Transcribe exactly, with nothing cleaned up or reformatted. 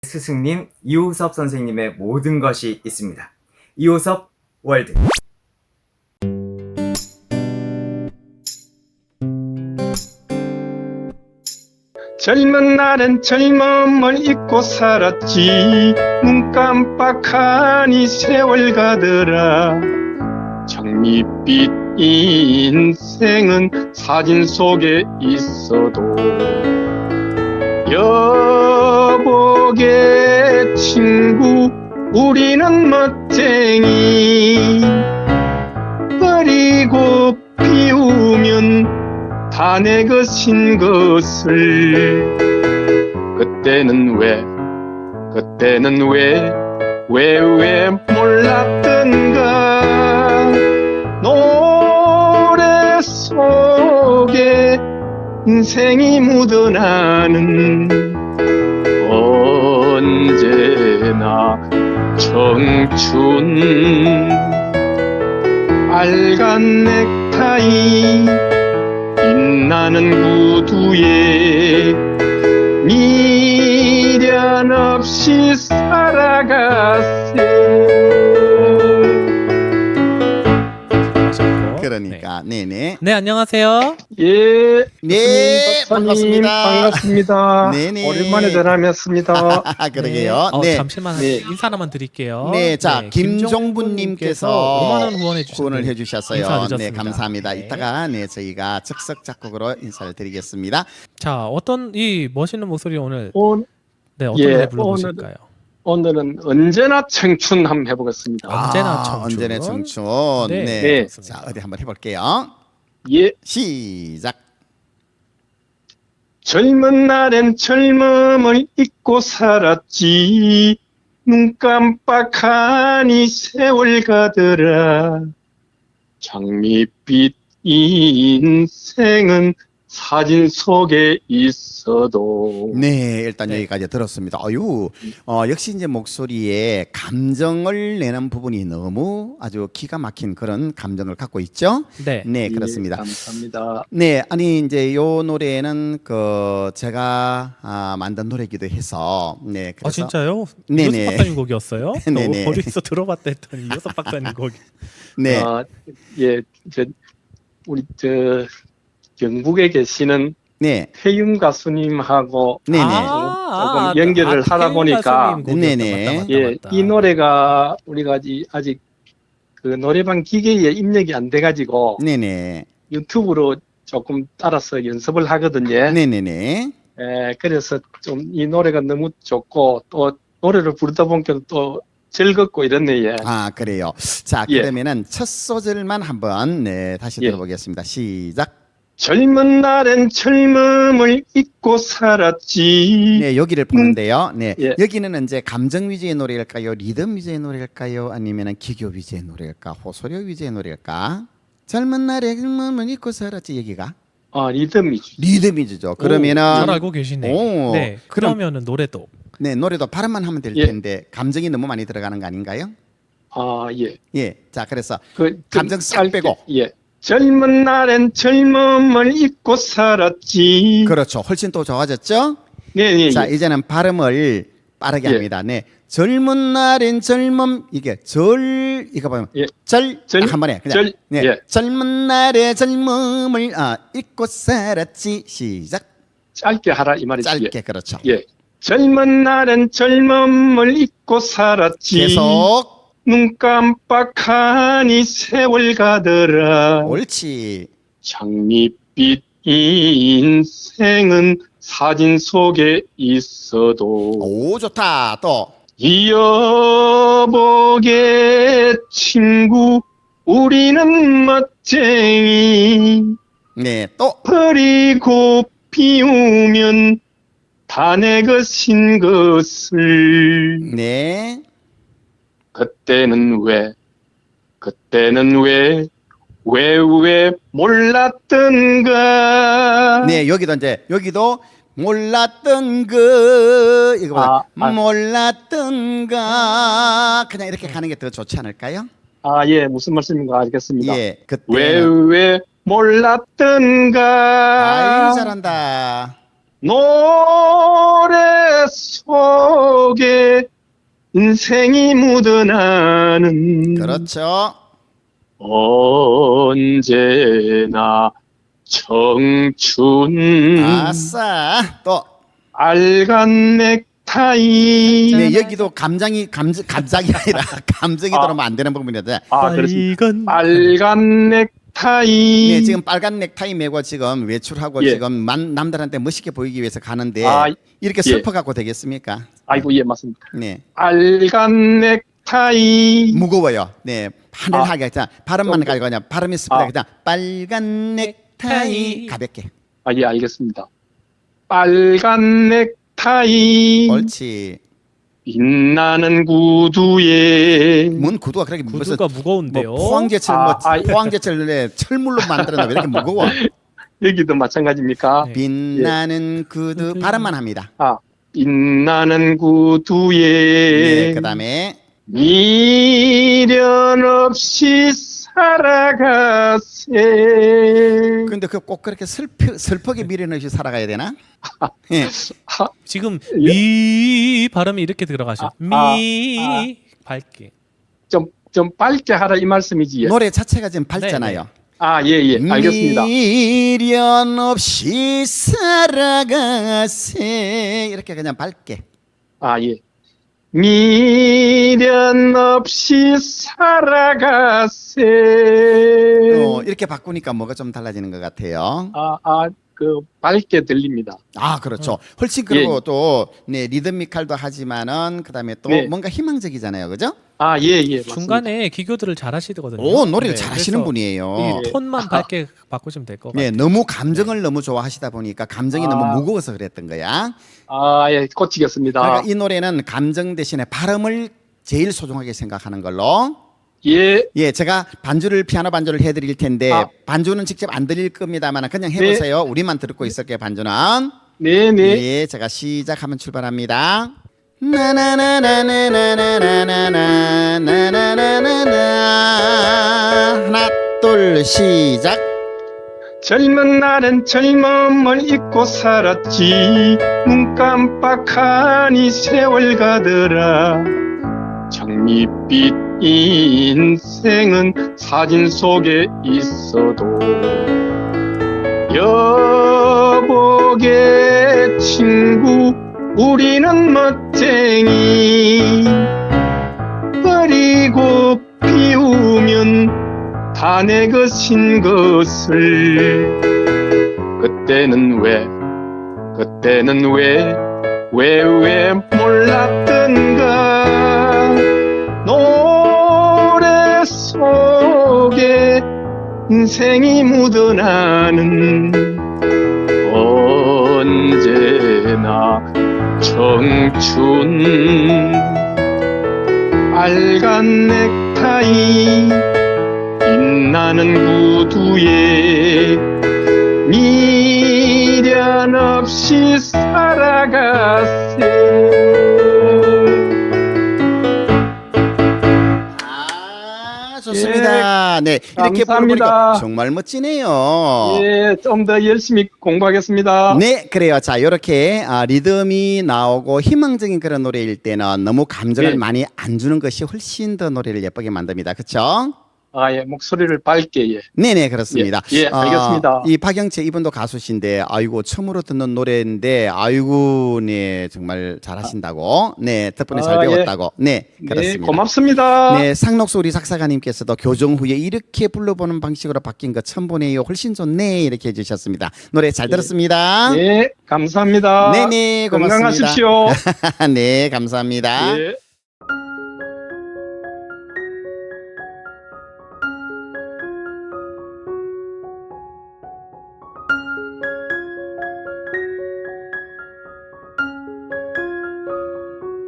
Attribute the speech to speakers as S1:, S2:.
S1: 스승님 이호섭 선생님의 모든 것이 있습니다. 이호섭 월드.
S2: 젊은 날엔 젊음을 잊고 살았지. 눈 깜빡하니 세월 가더라. 장밋빛 인생은 사진 속에 있어도 여보게 친구 우리는 멋쟁이. 버리고 피우면 다 내 것인 것을. 그때는 왜 그때는 왜 왜 왜 몰랐던가. 노래 속에 인생이 묻어나는 언제나 청춘. 빨간 넥타이 빛나는 구두에 미련 없이 살아가세.
S3: 그러니까 네. 네네.
S4: 네, 안녕하세요.
S2: 예,
S3: 네,
S2: 박사님,
S3: 반갑습니다.
S2: 반갑습니다.
S3: 네네.
S2: 오랜만에 전화하셨습니다.
S3: 그러게요.
S4: 네. 어,
S3: 네.
S4: 잠시만
S2: 네.
S4: 인사 하나만 드릴게요.
S3: 네, 자
S4: 네,
S3: 김종분님께서
S4: 오만 원 후원해 주셨어요.
S3: 후원을 해주셨어요.
S4: 인사드렸습니다.
S3: 네, 감사합니다.
S4: 네.
S3: 이따가 네 저희가 즉석 작곡으로 인사를 드리겠습니다.
S4: 자, 어떤 이 멋있는 목소리 오늘
S2: 오,
S4: 네 어떤
S2: 예,
S4: 노래 불러보실까요?
S2: 오늘은 언제나 청춘 한번 해보겠습니다.
S4: 언제나
S3: 아,
S4: 청춘.
S3: 언제나 청춘.
S4: 네.
S3: 네.
S2: 네.
S3: 자 어디 한번 해볼게요.
S2: 예,
S3: 시작.
S2: 젊은 날엔 젊음을 잊고 살았지. 눈 깜빡하니 세월 가더라. 장밋빛 인생은 사진 속에 있어도.
S3: 네, 일단
S4: 네.
S3: 여기까지 들었습니다. 아유, 어, 역시 이제 목소리에 감정을 내는 부분이 너무 아주 기가 막힌 그런 감정을 갖고 있죠.
S4: 네.
S3: 네,
S2: 예,
S3: 그렇습니다.
S2: 감사합니다.
S3: 네, 아니 이제 요 노래는 그 제가 아, 만든 노래기도 해서 네,
S4: 아
S3: 그래서
S4: 진짜요?
S3: 네네.
S4: 이호섭 박사님 곡이었어요?
S3: 네네.
S4: 어, 어디서 들어봤다 했더니 이호섭 박사님 곡이.
S3: 네,
S2: 아, 예, 저, 우리 저 경북에 계시는
S3: 네,
S2: 태윤 가수님하고
S3: 네네.
S2: 조금 연결을 하다
S4: 태윤
S2: 보니까
S4: 가수님 곡이었다.
S3: 네네.
S4: 맞다, 맞다,
S2: 예,
S4: 맞다.
S2: 이 노래가 우리가 아직, 아직 그 노래방 기계에 입력이 안 돼가지고
S3: 네, 네,
S2: 유튜브로 조금 따라서 연습을 하거든요.
S3: 네, 네, 네.
S2: 예, 그래서 좀 이 노래가 너무 좋고 또 노래를 부르다 보니까 또 즐겁고 이렇네. 예.
S3: 아, 그래요. 자,
S2: 예.
S3: 그러면은 첫 소절만 한번 네, 다시
S2: 예.
S3: 들어보겠습니다. 시작.
S2: 젊은 날엔 젊음을 잊고 살았지.
S3: 네, 여기를 보는데요. 네,
S2: 예.
S3: 여기는 이제 감정 위주의 노래일까요? 리듬 위주의 노래일까요? 아니면은 기교 위주의 노래일까? 호소력 위주의 노래일까? 젊은 날에 젊음을 잊고 살았지 여기가
S2: 아, 리듬이죠.
S3: 리듬 위주죠.
S4: 오,
S3: 그러면은
S4: 잘 알고 계시네.
S3: 오,
S4: 네.
S3: 그럼-
S4: 그러면은 노래도
S3: 네, 노래도 발음만 하면 될
S2: 예.
S3: 텐데 감정이 너무 많이 들어가는 거 아닌가요?
S2: 아, 예.
S3: 예, 자 그래서
S2: 그, 좀
S3: 감정 싹
S2: 짧게,
S3: 빼고.
S2: 예. 젊은 날엔 젊음을 잊고 살았지.
S3: 그렇죠. 훨씬 또 좋아졌죠?
S2: 네, 네.
S3: 자
S2: 예.
S3: 이제는 발음을 빠르게
S2: 예.
S3: 합니다. 네, 젊은 날엔 젊음 이게 절 이거 보면
S2: 예.
S3: 절,
S2: 절,
S3: 딱 한 번에 그냥
S2: 절,
S3: 네,
S2: 예.
S3: 젊은 날의 젊음을 아, 잊고 살았지. 시작.
S2: 짧게 하라 이 말이지.
S3: 짧게 그렇죠.
S2: 예. 예. 젊은 날엔 젊음을 잊고 살았지.
S3: 계속
S2: 눈 깜빡하니 세월 가더라.
S3: 옳지.
S2: 장밋빛 인생은 사진 속에 있어도
S3: 오 좋다. 또
S2: 이어보게 친구 우리는 멋쟁이.
S3: 네, 또
S2: 버리고 피우면 다 내 것인 것을.
S3: 네.
S2: 그때는 왜 그때는 왜 왜 왜 몰랐던가.
S3: 네, 여기도 이제 여기도 몰랐던 그 이거 봐.
S2: 아, 아.
S3: 몰랐던가 그냥 이렇게 가는 게 더 좋지 않을까요?
S2: 아, 예, 무슨 말씀인가 알겠습니다.
S3: 예, 그때
S2: 왜 왜 몰랐던가.
S3: 아유 잘한다.
S2: 노래 속에 인생이 묻어나는
S3: 그렇죠.
S2: 언제나 청춘
S3: 아싸. 또
S2: 빨간 넥타이.
S3: 네, 여기도 감정이 감정 감정이 아니라 감정이
S2: 아.
S3: 들어오면 안 되는 부분이다.
S2: 아, 그렇습니다.
S4: 빨간
S2: 빨간 넥타이.
S3: 네, 지금 빨간 넥타이 메고 지금 외출하고
S2: 예.
S3: 지금 만, 남들한테 멋있게 보이기 위해서 가는데
S2: 아,
S3: 이렇게
S2: 예.
S3: 슬퍼 갖고 되겠습니까?
S2: 아이고, 예, 맞습니다.
S3: 네,
S2: 빨간 넥타이.
S3: 무거워요. 네, 하늘하게 자 발음만
S2: 좀-
S3: 가지고 그냥 발음이 스프다
S2: 아.
S3: 그냥 빨간 넥타이 가볍게.
S2: 아, 예, 알겠습니다. 빨간 넥타이.
S3: 옳지.
S2: 빛나는 구두에.
S3: 뭔 구두가 그렇게 무슨
S4: 구두가 무거운데요.
S3: 뭐 포항제철
S2: 아,
S3: 뭐
S2: 아, 예.
S3: 포항제철에 철물로 만들었나 왜 이렇게 무거워?
S2: 여기도 마찬가지입니까?
S4: 네.
S3: 빛나는 구두 발음만 합니다.
S2: 아, 빛나는 구두에.
S3: 네, 그다음에
S2: 미련 없이 살아가세.
S3: 근데 그 꼭 그렇게 슬프 슬프게 미련 없이 살아가야 되나? 예.
S4: 지금
S2: 예.
S4: 미 발음이 이렇게 들어가셔.
S2: 아,
S4: 미
S2: 아,
S4: 밝게.
S2: 좀, 좀 밝게 하라 이 말씀이지. 예.
S3: 노래 자체가 지금 밝잖아요.
S2: 아, 예, 예. 알겠습니다.
S3: 미련 없이 살아가세 이렇게 그냥 밝게.
S2: 아, 예. 미련 없이 살아가세.
S3: 어, 이렇게 바꾸니까 뭐가 좀 달라지는 것 같아요.
S2: 아, 아, 그, 밝게 들립니다.
S3: 아, 그렇죠. 훨씬
S2: 예.
S3: 그리고 또 네, 리드미컬도 하지만은 그다음에 또
S2: 네.
S3: 뭔가 희망적이잖아요, 그죠?
S2: 아, 예, 예. 맞습니다.
S4: 중간에 기교들을 잘 하시거든요.
S3: 오, 노래를
S4: 네,
S3: 잘하시는
S4: 그래서
S3: 분이에요.
S4: 이 톤만 밝게 바꾸시면 될 것 같아요.
S3: 네, 너무 감정을 너무 좋아하시다 보니까 감정이
S2: 아.
S3: 너무 무거워서 그랬던 거야.
S2: 아, 예, 고치겠습니다.
S3: 그러니까 이 노래는 감정 대신에 발음을 제일 소중하게 생각하는 걸로.
S2: 예,
S3: 예, 제가 반주를 피아노 반주를 해드릴 텐데
S2: 아.
S3: 반주는 직접 안 드릴 겁니다만 그냥 해보세요. 우리만 듣고 있을게요. 반주는.
S2: 네, 네.
S3: 예, 제가 시작하면 출발합니다. 나나나나나나나나나나나나나 하나 둘 시작.
S2: 젊은 날엔 젊음을 잊고 살았지. 눈 깜빡하니 세월 가더라. 장밋빛 인생은 사진 속에 있어도 여보게 친구 우리는 멋쟁이. 버리고 피우면 다 내 것인 것을. 그때는 왜 그때는 왜 왜 왜 몰랐던가. 노래 속에 인생이 묻어나는 언제나 청춘. 빨간 넥타이 빛나는 구두에 미련 없이 살아가세.
S3: 아, 좋습니다. 네, 이렇게
S2: 감사합니다.
S3: 부르니까 정말 멋지네요.
S2: 예, 좀 더 열심히 공부하겠습니다.
S3: 네, 그래요. 자, 이렇게 아, 리듬이 나오고 희망적인 그런 노래일 때는 너무 감정을
S2: 네.
S3: 많이 안 주는 것이 훨씬 더 노래를 예쁘게 만듭니다. 그렇죠?
S2: 아, 예, 목소리를 밝게, 예.
S3: 네네, 그렇습니다.
S2: 예, 예, 알겠습니다.
S3: 아, 이 박영채 이분도 가수신데, 아이고, 처음으로 듣는 노래인데, 아이고, 네, 정말 잘하신다고. 네, 덕분에
S2: 아,
S3: 잘
S2: 예.
S3: 배웠다고. 네,
S2: 네,
S3: 그렇습니다.
S2: 고맙습니다.
S3: 네, 상록수 우리 작사가님께서도 교정 후에 이렇게 불러보는 방식으로 바뀐 거 처음 보네요. 훨씬 좋네. 이렇게 해주셨습니다. 노래 잘 들었습니다.
S2: 네, 감사합니다.
S3: 네네, 고맙습니다.
S2: 건강하십시오.
S3: 네, 감사합니다.
S2: 예.